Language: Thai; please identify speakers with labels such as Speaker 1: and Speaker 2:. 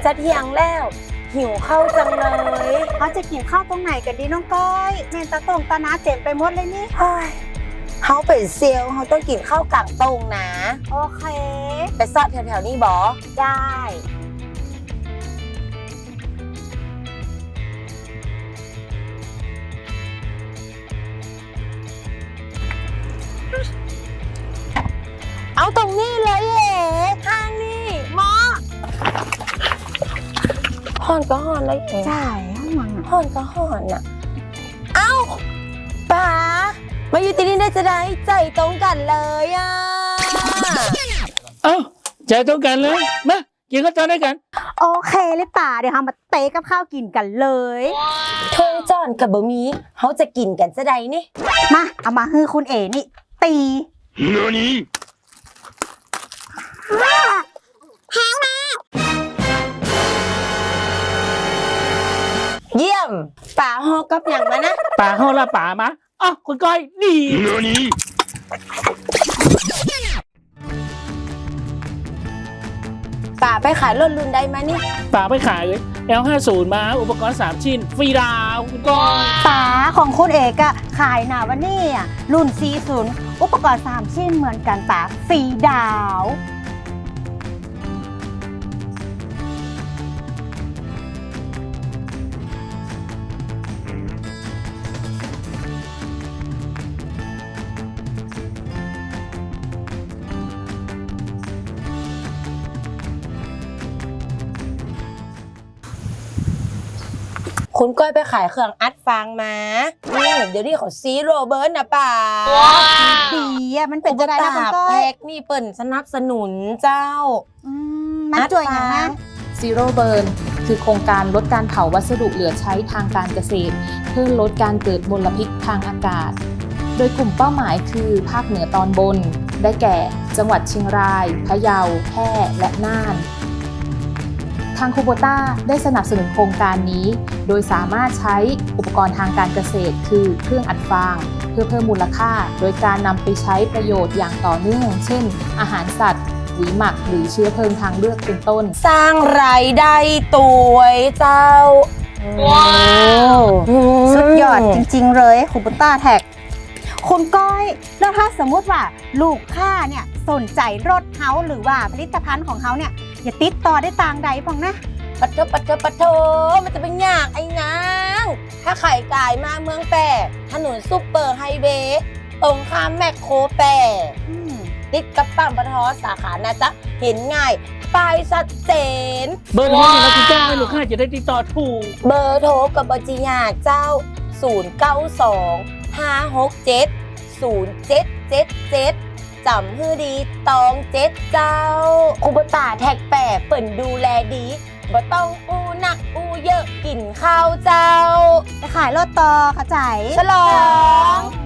Speaker 1: จะเที่ยงแล้วหิวข้าวจังเลย
Speaker 2: เขาจะกินข้าวตรงไหนกันดีน้องก้อยแม่ตาตรงตานาเจ็บไปหมดเลยนี่
Speaker 1: เฮ้ยเขาเป็นเซลล์เขาต้องกินข้าวกลางตรงนะ
Speaker 2: โอเค
Speaker 1: ไปซอดแถวๆนี้บอ
Speaker 2: ได้
Speaker 1: เอาตรงนี้เลยเอ๋ทางนี้หมอห่อนก็ห่อนเลยเอ๋
Speaker 2: จ่ายห้องมัง
Speaker 1: ห่อนก็ห่อนน่ะเอ้าป๋ามาอยู่ที่นี่ได้จะได้ใจตรงกันเลยอ่ะ
Speaker 3: เอ้าใจตรงกันเลยมากินข้าวต้มด้วยกัน
Speaker 2: โอเคเลยป่าเดี๋ยวเรามาเตะกับข้าวกินกันเลย
Speaker 1: ทงจอนกับบะหมี่เขาจะกินกันจะได้นี่
Speaker 2: มาเอามาฮือคุณเอ๋นี่ตี
Speaker 1: เยี่ยมป๋าฮอกับอย่างมานะ
Speaker 3: ป่าห้องละป่ามาอ๋อคุณก้อยนี่
Speaker 1: ป๋าไปขายรถรุ่นใดมานี่
Speaker 3: ป่าไปขายเลย L50 มาอุปกรณ์3ชิ้นฟรีดาวคุณก้อย
Speaker 2: ป๋าของคุณเอกอะขายหนาวันนี้อะรุ่น 40 อุปกรณ์3ชิ้นเหมือนกันป๋าฟรีดาว
Speaker 1: คุณก้อยไปขายเครื่องอัดฟางมาเดี๋ยวนี้เขาซีโรเบิร์ตนะป๋า
Speaker 2: ดีอะมันเป็นจะได้นะคุณก้อ
Speaker 1: แพ็
Speaker 2: ย
Speaker 1: กนี่เปิ่นสนับสนุนเจ้า
Speaker 2: มันจ่วยอย่างนะ
Speaker 4: Zero Burn คือโครงการลดการเผาวัสดุเหลือใช้ทางการเกษตร เพื่อลดการเกิดมลพิษทางอากาศ โดยกลุ่มเป้าหมายคือภาคเหนือตอนบน ได้แก่ จังหวัดเชียงราย พะเยา แพร่ และน่าน ทางคูโบต้าได้สนับสนุนโครงการนี้ โดยสามารถใช้อุปกรณ์ทางการเกษตร คือเครื่องอัดฟาง เพื่อเพิ่มมูลค่า โดยการนำไปใช้ประโยชน์อย่างต่อเนื่อง เช่น อาหารสัตว์ปุ๋ยหมักหรือเชื้อเพลิงทางเลือกเป็นต้น
Speaker 1: สร้างรายได้ตัวเจ้า
Speaker 2: สุดยอดจริงๆเลยคุณปุตต้าแท็กคุณก้อยแล้วถ้าสมมุติว่าลูกค้าเนี่ยสนใจรถเฮาหรือว่าผลิตภัณฑ์ของเขาเนี่ยอย่าติดต่อได้ต่างใดพองนะ
Speaker 1: ปัดโทมันจะเป็นยากไอ้นางถ้าไข่กายมาเมืองแปรถนนซุปเปอร์ไฮเวย์ตรงข้ามแมคโครแปรติดกับปั๊มปตทสาขานะจ๊ะเห็นง่ายป้ายชัดเจน
Speaker 3: เบอร์โทรนี่นะคุณก้อยลูกค้าจะได้ติดต่อถูก
Speaker 1: เบอร์โทรกับบัญชียาเจ้า 092 567 0777 จำฮือดีตองเจ็ดเจ้าคูบตาแท็กแปรเปิ่นดูแลดีบ่ต้องอู้หนักอู้เยอะกินข้าวเจ้า
Speaker 2: ไปขายรถต่อเข้าใจ
Speaker 1: ฉลอง